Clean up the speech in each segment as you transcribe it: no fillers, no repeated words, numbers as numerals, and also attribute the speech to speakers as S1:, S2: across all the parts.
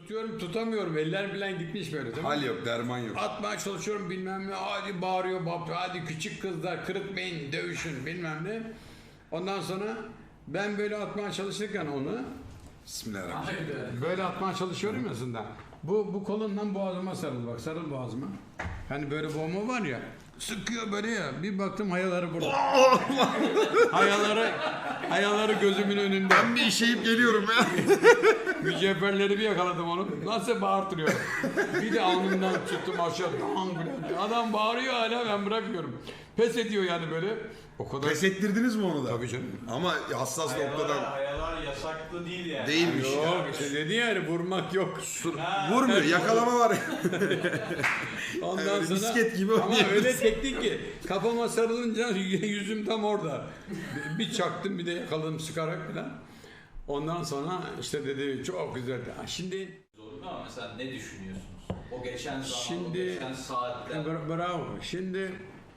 S1: tutuyorum tutamıyorum. Eller bilen gitmiş böyle. Tamam.
S2: Hal yok, derman yok.
S1: Atmaya çalışıyorum bilmem ne. Hadi bağırıyor bab. Hadi küçük kızlar kırıtmayın dövüşün bilmem ne. Ondan sonra ben böyle atmaya çalışırken onu
S2: Bismillahirrahmanirrahim.
S1: böyle atmaya çalışıyorum aslında. Bu kolundan boğazıma sarıl bak. Sarıl boğazıma. Hani böyle boğma var ya. Sıkıyor böyle ya. Bir baktım hayaları burada. hayaları gözümün önünde.
S2: Ben bir işeyip geliyorum ya.
S1: Mücevherleri bir yakaladım onu. Nasıl bağırtırıyor. Bir de alnından tuttum aşağı. Adam bağırıyor hala ben bırakmıyorum. Pes ediyor yani böyle. O kadar.
S2: Pes ettirdiniz mi onu da?
S1: Tabii canım.
S2: Ama hassas noktadan
S3: Hayalar yasaklı değil yani.
S2: değilmiş ya.
S1: Yok işte dedi yani vurmak yok.
S2: Vurmuyor, yakalama var.
S1: Ondan
S2: Yani
S1: sonra
S2: misket gibi
S1: ama
S2: oynuyoruz.
S1: öyle teknik ki kafama sarılınca yüzüm tam orada. Bir çaktım bir de yakaladım sıkarak falan. Ondan sonra işte dedi çok güzeldi. Şimdi
S3: Zorunda ama mesela ne düşünüyorsunuz? O geçen zaman,
S1: Şimdi-
S3: o geçen saatler.
S1: bravo. Şimdi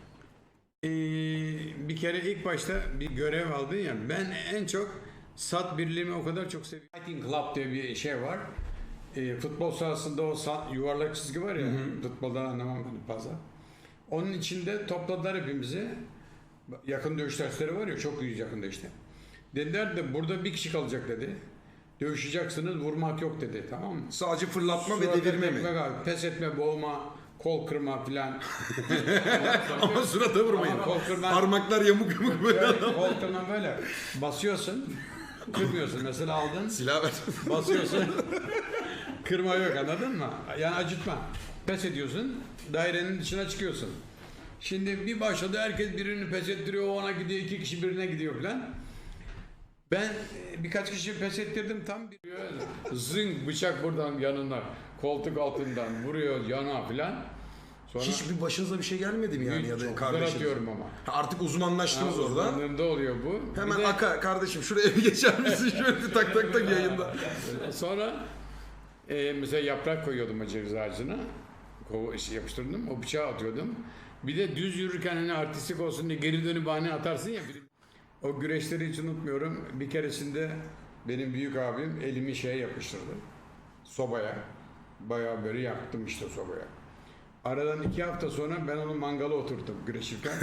S1: bir kere ilk başta bir görev aldın ya. Ben en çok sat birliğimi o kadar çok seviyorum. Fighting Club diye bir şey var. Futbol sahasında o yuvarlak çizgi var ya. Futboldan anlamam ben fazla. Onun içinde topladılar hepimizi. Yakın dövüş dersleri var ya çok iyi yakında işte. Dediler de burada bir kişi kalacak dedi. Dövüşeceksiniz vurmak yok dedi tamam mı?
S2: Sadece fırlatma ve
S1: Surata
S2: devirme mi?
S1: tekme abi, pes etme, boğma, kol kırma filan.
S2: Ama surata vurmayın.
S1: Ama kol kırma-
S2: Parmaklar yamuk yamuk böyle.
S1: Böyle kol kırma böyle. Basıyorsun, kırmıyorsun. Mesela aldın,
S2: Silah ver.
S1: basıyorsun. Kırma yok anladın mı? Yani acıtma. Pes ediyorsun, dairenin dışına çıkıyorsun. Şimdi bir başladı herkes birini pes ettiriyor, o ona gidiyor, iki kişi birine gidiyor filan. Ben birkaç kişi pes ettirdim tam bir zing bıçak buradan yanına koltuk altından vuruyor yana filan. Sonra
S2: Hiçbir başınıza bir şey gelmedi mi yani ya da
S1: çok güzel
S2: kardeşiniz?
S1: atıyorum ama.
S2: Ha, artık uzmanlaştınız orada.
S1: Uzmanlığımda oluyor bu.
S2: Hemen
S1: Bir de
S2: Aka kardeşim şuraya bir geçer misin? Şöyle bir tak tak tak yayında.
S1: sonra mesela yaprak koyuyordum o ceviz ağacına. Yapıştırdım. O bıçağı atıyordum. Bir de düz yürürken hani artistik olsun diye geri dönüp bahane atarsın ya. O güreşleri hiç unutmuyorum. Bir keresinde benim büyük abim elimi şeye yapıştırdı. Sobaya. Bayağı böyle yaktım işte sobaya. Aradan 2 hafta sonra ben onu mangala oturttum güreşirken.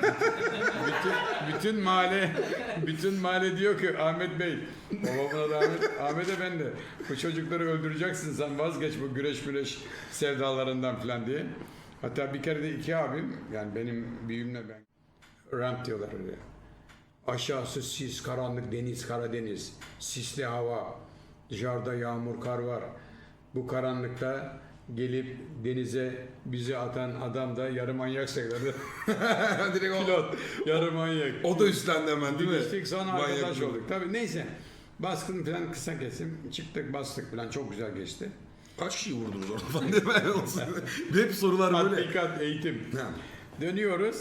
S1: bütün mahalle diyor ki Ahmet Bey, babamın adı Ahmet'e ben de bu çocukları öldüreceksin sen vazgeç bu güreş sevdalarından falan diye. Hatta bir kere de 2 abim yani benim büyüğümle ben ramp diyorlar öyle. Aşağısı sis, karanlık deniz, Karadeniz, sisli hava, dışarıda yağmur, kar var. Bu karanlıkta gelip denize bizi atan adam da yarı manyak sayılırdı.
S2: Direkt o,
S1: Pilot, yarı manyak.
S2: o da üstlendi hemen değil mi?
S1: Gittik sonra
S2: Manyak
S1: arkadaş
S2: pilot.
S1: olduk. Tabii neyse. Baskın falan kısa kesim. Çıktık bastık falan çok güzel geçti.
S2: Kaç kişi vurdunuz orada falan diye ben olsun. Hep sorular böyle.
S1: Tatbikat, eğitim.
S2: Ha.
S1: Dönüyoruz.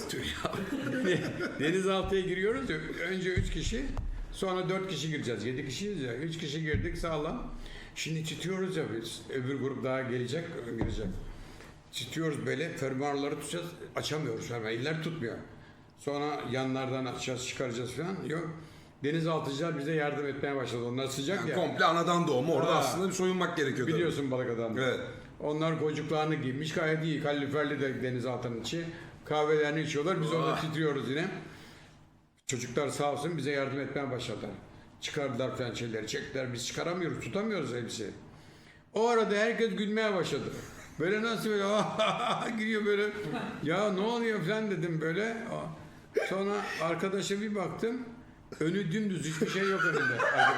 S1: Denizaltıya giriyoruz. Önce 3 kişi, sonra 4 kişi gireceğiz. 7 kişiyiz ya. 3 kişi girdik sağlam. Şimdi çitiyoruz ya biz. Öbür grup daha girecek. Çitiyoruz böyle. Fermuarları tutacağız. Açamıyoruz fermuarı. Eller tutmuyor. Sonra yanlardan açacağız, çıkaracağız falan. Yok. Denizaltıcılar bize yardım etmeye başladı. Onlar sıcak
S2: Yani
S1: ya.
S2: komple anadan doğma. Orada
S1: Ha.
S2: aslında bir soyunmak gerekiyor. tabii.
S1: Biliyorsun balık adamı.
S2: Evet.
S1: Onlar gocuklarını giymiş gayet iyi. Kaloriferli de denizaltının içi. Kahvelerini içiyorlar. Biz orada titriyoruz yine. Çocuklar sağ olsun bize yardım etmeye başladılar. Çıkardılar falan şeyleri çektiler. Biz çıkaramıyoruz, tutamıyoruz elbiseyi. O arada herkes gülmeye başladı. Böyle nasıl böyle giriyor böyle. Ya ne oluyor falan dedim böyle. Sonra arkadaşa bir baktım. Önü dümdüz hiçbir şey yok önünde.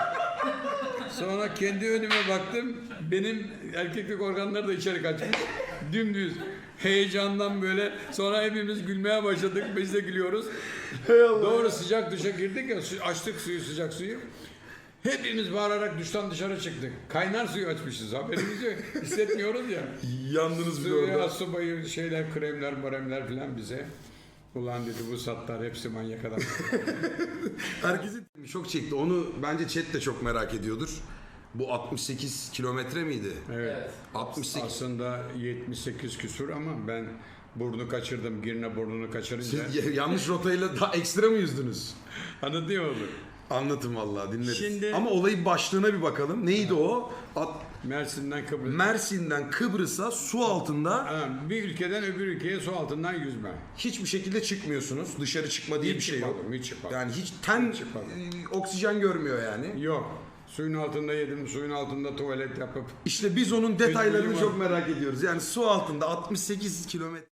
S1: Sonra kendi önüme baktım. Benim erkeklik organları da içeri kaçmış. Dümdüz. Heyecandan böyle. Sonra hepimiz gülmeye başladık. Biz de gülüyoruz. Doğru sıcak duşa girdik ya. Açtık sıcak suyu. Hepimiz bağırarak duştan dışarı çıktık. Kaynar suyu açmışız. Haberimiz yok. Hissetmiyoruz ya.
S2: Yandınız bir
S1: Suya
S2: orada.
S1: subayı şeyler, kremler, maremler falan bize. Ulan dedi bu sattar hepsi manyak adam.
S2: Herkesin çok çekti. Onu bence chat de çok merak ediyordur. Bu 68 kilometre miydi?
S1: Evet.
S2: 68.
S1: Aslında 78 küsur ama ben burnu kaçırdım. Girne burnunu kaçırınca.
S2: Siz yanlış rotayla daha ekstra mı yüzdünüz?
S1: Anladın mı?
S2: Anlatın vallahi dinleriz.
S1: Şimdi-
S2: Ama olayın başlığına bir bakalım. Neydi o?
S1: Mersin'den Kıbrıs.
S2: Mersin'den Kıbrıs'a su altında
S1: Ha, bir ülkeden öbür ülkeye su altından yüzme.
S2: hiçbir şekilde çıkmıyorsunuz. Dışarı çıkma diye bir şey yok.
S1: Hiç çıkmadım.
S2: Yani hiç ten
S1: çıkmadım.
S2: oksijen görmüyor yani.
S1: Yok. Suyun altında yedim, suyun altında tuvalet yapıp
S2: İşte biz onun detaylarını
S1: Üzgünüm
S2: çok
S1: abi.
S2: merak ediyoruz. Yani su altında 68 kilometre